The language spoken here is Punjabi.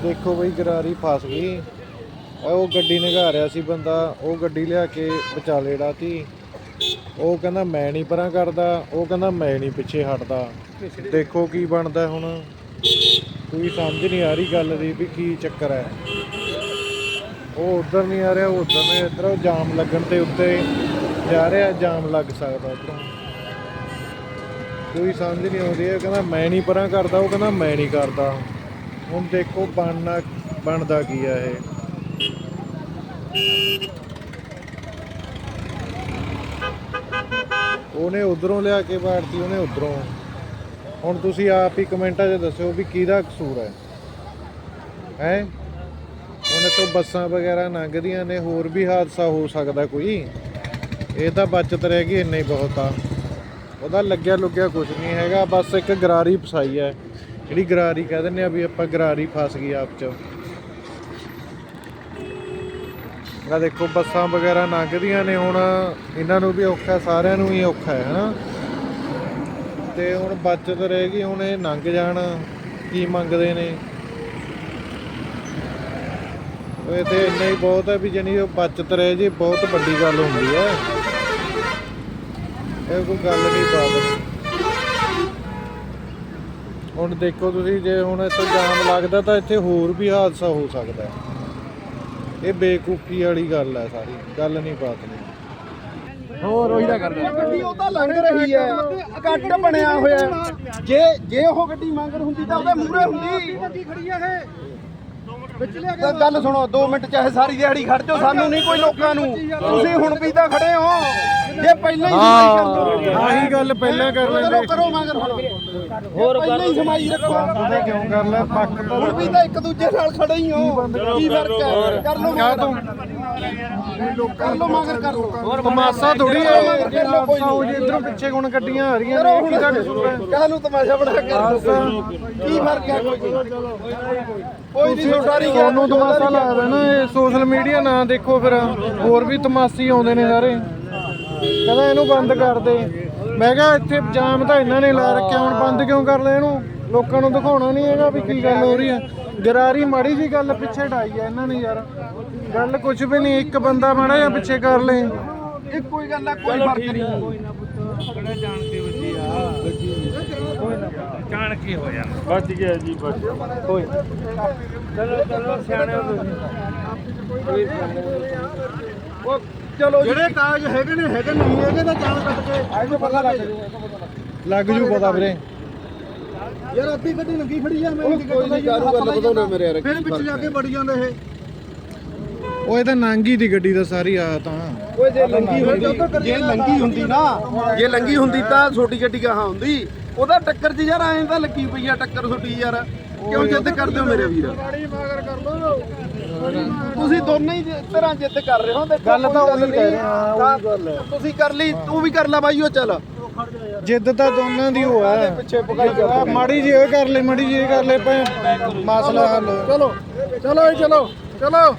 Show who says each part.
Speaker 1: देखो बई गरारी फस गई। वो गड्डी निगाह रहा सी बंदा, वो गड्डी लिया के विचाले डाती। वो कहना मैं नहीं परां करदा, वो कहना मैं नहीं पिछे हटदा। देखो की बनदा हुण, कोई समझ नहीं आ रही गल दी भी की चक्कर है। वो उधर नहीं आ रहा, उधर ने इधर जाम लगन ते उत्ते जा रहा, जाम लग सकदा उधरों। कोई समझ नहीं आती है। कहना मैं नहीं परां करदा, वो कहना मैं नहीं करदा। हुण देखो बनदा की है ये। ਉਹਨੇ ਉਧਰੋਂ ਲਿਆ ਕੇ ਬਾੜਤੀ, ਉਹਨੇ ਉਧਰੋਂ। ਹੁਣ ਤੁਸੀਂ ਆਪ ਹੀ ਕਮੈਂਟਾਂ 'ਚ ਦੱਸਿਓ ਵੀ ਕਿਹਦਾ ਕਸੂਰ ਹੈ। ਹੁਣ ਇੱਥੋਂ ਬੱਸਾਂ ਵਗੈਰਾ ਲੰਘਦੀਆਂ ਨੇ, ਹੋਰ ਵੀ ਹਾਦਸਾ ਹੋ ਸਕਦਾ ਕੋਈ। ਇਹ ਤਾਂ ਬਚਤ ਰਹਿ ਗਈ, ਇੰਨਾ ਹੀ ਬਹੁਤ ਆ। ਉਹਦਾ ਲੱਗਿਆ ਲੁੱਗਿਆ ਕੁਝ ਨਹੀਂ ਹੈਗਾ, ਬਸ ਇੱਕ ਗਰਾਰੀ ਫਸਾਈ ਹੈ, ਜਿਹੜੀ ਗਰਾਰੀ ਕਹਿ ਦਿੰਦੇ ਆ ਵੀ ਆਪਾਂ ਗਰਾਰੀ ਫਸ ਗਈ ਆਪ 'ਚ। ਆ ਦੇਖੋ ਬੱਸਾਂ ਵਗੈਰਾ ਲੰਘਦੀਆਂ ਨੇ, ਹੁਣ ਇਹਨਾਂ ਨੂੰ ਵੀ ਔਖਾ, ਸਾਰਿਆਂ ਨੂੰ ਹੀ ਔਖਾ ਹੈ ਹਨਾ। ਤੇ ਹੁਣ ਬਚਤ ਰਹਿ ਗਈ, ਹੁਣ ਇਹ ਲੰਘ ਜਾਣ। ਕੀ ਮੰਗਦੇ ਨੇ ਇਹ ਤੇ ਇੰਨਾ ਹੀ ਬਹੁਤ ਹੈ ਵੀ ਜਾਨੀ ਉਹ ਬਚਤ ਰਹਿ ਜੇ, ਬਹੁਤ ਵੱਡੀ ਗੱਲ ਹੁੰਦੀ ਹੈ। ਇਹ ਕੋਈ ਗੱਲ ਨਹੀਂ ਬਾਤ। ਹੁਣ ਦੇਖੋ ਤੁਸੀਂ, ਜੇ ਹੁਣ ਇੱਥੇ ਜਾਮ ਲੱਗਦਾ ਤਾਂ ਇੱਥੇ ਹੋਰ ਵੀ ਹਾਦਸਾ ਹੋ ਸਕਦਾ। ਇਹ ਬੇਕੂਫੀ ਵਾਲੀ ਗੱਲ ਹੈ, ਸਾਰੀ ਗੱਲ ਨਹੀਂ ਬਾਤ ਨਹੀਂ।
Speaker 2: ਹੋਰ ਉਹੀ ਤਾਂ ਕਰਦਾ ਗੱਡੀ ਉਹ ਤਾਂ ਲੰਘ ਰਹੀ ਹੈ, ਕੱਟ ਬਣਿਆ ਹੋਇਆ। ਜੇ ਉਹ ਗੱਡੀ ਮੰਗਰ ਹੁੰਦੀ ਤਾਂ ਉਹਦੇ ਮੂਹਰੇ ਹੁੰਦੀ। ਗੱਡੀ ਖੜੀ ਆ ਇਹ ਤਾਂ ਗੱਲ ਸੁਣੋ, 2 ਮਿੰਟ ਚਾਹੇ ਸਾਰੀ ਦਿਹਾੜੀ ਖੜ ਜਾਓ, ਸਾਨੂੰ ਨਹੀਂ ਕੋਈ ਲੋਕਾਂ ਨੂੰ। ਤੁਸੀਂ ਹੁਣ ਵੀ ਤਾਂ ਖੜੇ ਹੋ, ਜੇ ਪਹਿਲਾਂ ਹੀ
Speaker 1: ਆਹੀ ਗੱਲ ਪਹਿਲਾਂ ਕਰ ਲੈਂਦੇ।
Speaker 2: ਕਰੋ ਮਗਰ ਹੋਰ ਪਹਿਲਾਂ ਹੀ ਸਮਾਈ ਰੱਖੋ।
Speaker 1: ਬੰਦ ਤਾਂ ਕਿਉਂ ਕਰ ਲੈ, ਪੱਕ ਤਾਂ
Speaker 2: ਹੁਣ ਵੀ ਤਾਂ ਇੱਕ ਦੂਜੇ ਨਾਲ ਖੜੇ ਹੀ ਹੋ। ਕੀ ਫਰਕ ਹੈ? ਕਰ ਲਓ ਮਗਰ, ਕਰ ਲਓ ਮਗਰ, ਕਰ ਲਓ।
Speaker 1: ਤਮਾਸ਼ਾ ਥੋੜੀ ਹੈ ਇਧਰੋਂ ਪਿੱਛੇ ਹੁਣ ਗੱਡੀਆਂ ਆ ਰਹੀਆਂ ਨੇ, ਕਿਹਦਾ ਕਸੂਰ ਹੈ?
Speaker 2: ਕਾਹਨੂੰ ਤਮਾਸ਼ਾ ਬਣਾ ਕੇ ਕੀ ਫਰਕ ਹੈ? ਕੋਈ ਨਹੀਂ ਸਾਰੀ
Speaker 1: ਤੁਹਾਨੂੰ ਤਮਾਸ਼ਾ ਲੱਗਦਾ ਨਾ। ਇਹ ਸੋਸ਼ਲ ਮੀਡੀਆ ਨਾ ਦੇਖੋ, ਫਿਰ ਹੋਰ ਵੀ ਤਮਾਸ਼ੀ ਆਉਂਦੇ ਨੇ ਸਾਰੇ। ਕਹਿੰਦਾ ਇਹਨੂੰ ਬੰਦ ਕਰ ਦੇ। ਮੈਂ ਕਿਹਾ ਇੱਥੇ ਜਾਮ ਤਾਂ ਇਹਨਾਂ ਨੇ ਲਾ ਰੱਖਿਆ, ਹੁਣ ਬੰਦ ਕਿਉਂ ਕਰ ਲਿਆ ਇਹਨੂੰ? ਲੋਕਾਂ ਨੂੰ ਦਿਖਾਉਣਾ ਨਹੀਂ ਹੈਗਾ ਵੀ ਕੀ ਗੱਲ ਹੋ ਰਹੀ ਹੈ। ਗਰਾਰੀ ਮਾੜੀ ਜੀ ਗੱਲ ਪਿੱਛੇ ਢਾਈ ਹੈ ਇਹਨਾਂ ਨੇ ਯਾਰ, ਗੱਲ ਕੁਝ ਵੀ ਨਹੀਂ। ਇੱਕ ਬੰਦਾ ਮਾੜਾ ਜਿਹਾ ਪਿੱਛੇ ਕਰ ਲੇ,
Speaker 2: ਇਹ ਕੋਈ ਗੱਲ ਆ, ਕੋਈ ਫਰਕ ਨਹੀਂ।
Speaker 3: ਜਾਣ ਕੀ ਹੋਇਆ, ਵੱਜ ਗਿਆ ਜੀ, ਵੱਜ ਕੋਈ। ਚਲੋ ਸਿਆਣੇ ਹੋ ਤੁਸੀਂ।
Speaker 2: ਉਹ ਚਲੋ ਜਿਹੜੇ ਕਾਗਜ਼ ਹੈਗੇ ਨੇ ਨਹੀਂ ਹੈਗੇ ਤਾਂ ਜਾਣ ਕੱਟ ਕੇ ਆਇਓ, ਪਤਾ
Speaker 1: ਲੱਗ ਜੂ ਪਤਾ ਵੀਰੇ।
Speaker 2: ਯਾਰ ਅੱਧੀ ਗੱਡੀ ਲੱਗੀ ਖੜੀ ਆ। ਮੈਂ ਕੋਈ ਨਹੀਂ ਕਾਰੂ ਗੱਲ ਵਧਾਉਣਾ ਮੇਰੇ ਯਾਰ, ਫਿਰ ਵਿੱਚ ਜਾ ਕੇ ਵੜੀ ਜਾਂਦੇ ਇਹ।
Speaker 1: ਉਹ ਇਹ ਤਾਂ ਨਾਂਗੀ ਦੀ ਗੱਡੀ ਦਾ ਸਾਰੀ ਆ ਤਾਂ।
Speaker 2: ਓਏ ਜੇ ਲੰਗੀ ਹੁੰਦੀ ਨਾ, ਜੇ ਲੰਗੀ ਹੁੰਦੀ ਤਾਂ ਛੋਟੀ ਗੱਡੀ ਕਹਾਂ ਹੁੰਦੀ। ਉਹਦਾ ਟੱਕਰ 'ਚ ਯਾਰ ਐਂ ਤਾਂ ਲੱਗੀ ਪਈ ਆ ਟੱਕਰ ਛੋਟੀ ਯਾਰ। ਕਿਉਂ ਜਿੱਦ ਕਰਦੇ ਹੋ ਮੇਰੇ ਵੀਰ? ਤੁਸੀਂ ਦੋਨੇ ਹੀ ਤਰ੍ਹਾਂ ਜਿੱਦ ਕਰ ਰਹੇ ਹੋ।
Speaker 1: ਗੱਲ ਤਾਂ ਉਹੀ ਕਹਿ ਰਹੇ ਹਾਂ, ਗੱਲ ਹੈ।
Speaker 2: ਤੁਸੀਂ ਕਰ ਲਈ, ਤੂੰ ਵੀ ਕਰ ਲੈ ਬਾਈ। ਉਹ ਚੱਲ
Speaker 1: ਜਿੱਦ ਤਾਂ ਦੋਨਾਂ ਦੀ ਹੋ ਹੈ।
Speaker 2: ਪਿੱਛੇ ਪਕਾਈ ਕਰ
Speaker 1: ਮਾੜੀ ਜੀ ਇਹ ਕਰ ਲੈ, ਮਾੜੀ ਜੀ ਇਹ ਕਰ ਲੈ, ਮਸਲਾ ਹੱਲ।
Speaker 2: ਚਲੋ ਚਲੋ ਚਲੋ ਚਲੋ।